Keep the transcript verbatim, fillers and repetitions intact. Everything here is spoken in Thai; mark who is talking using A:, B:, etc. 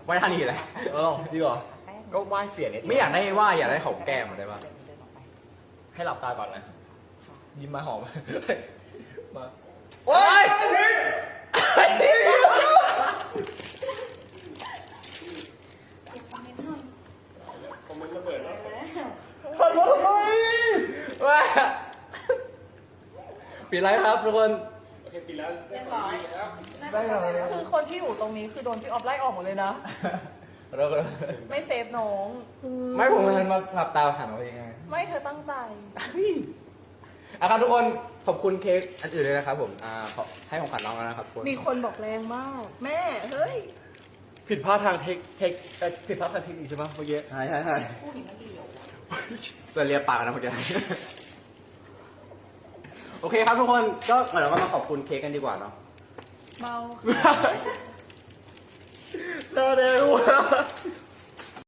A: ไหว้ท่านี่แหละ
B: เออจริงเหรอก็ไหว้เสียนิด
A: ไม่อยากได้ไหว้อยากได้หอมแก้มได้ปะ
B: ให้หลับตาก่อนนะยิ้มมาหอมมา
A: โอ๊ย
C: คอมเมนต์ระเบิดแล้ว
B: ขอโทษทำไม
A: ว้าปิดไลฟ์ครับทุกคน
C: โอเคปิดแล้ว
D: เรียบร้อย
C: แล้ว
B: ได้เหรอ
D: คือคนที่อยู่ตรงนี้คือโดนพี่ออฟไล่ออกหมดเลยนะ
A: เราก็
D: ไม่เซฟน้อง
A: ไม่ผมมันมาหลับตาหันมาเองไง
D: ไม่เธอตั้งใจ
A: อ่ะครับทุกคนขอบคุณเค้กอันอื่นเลยนะครับผมอ่าขอให้ของขวัญน้องแล้วนะครับทุกคน
D: มีคนบอกแรงมาก แม่ เฮ้ย
B: ผิดพลาดทางเทคเทคเอ่อผิดพลาดทางเทคนิคใช่ปะเมื่อกี้
A: ใช่ใช่ใช่
D: ผู้หญิงมันเดียว
A: เราเรียกปากกันนะเมื่อกี้ โอเคครับทุกคนก็เดี๋ยวเรามาขอบคุณเค้กกันดีกว่าเนาะ
D: เมา
B: น่าเร็ว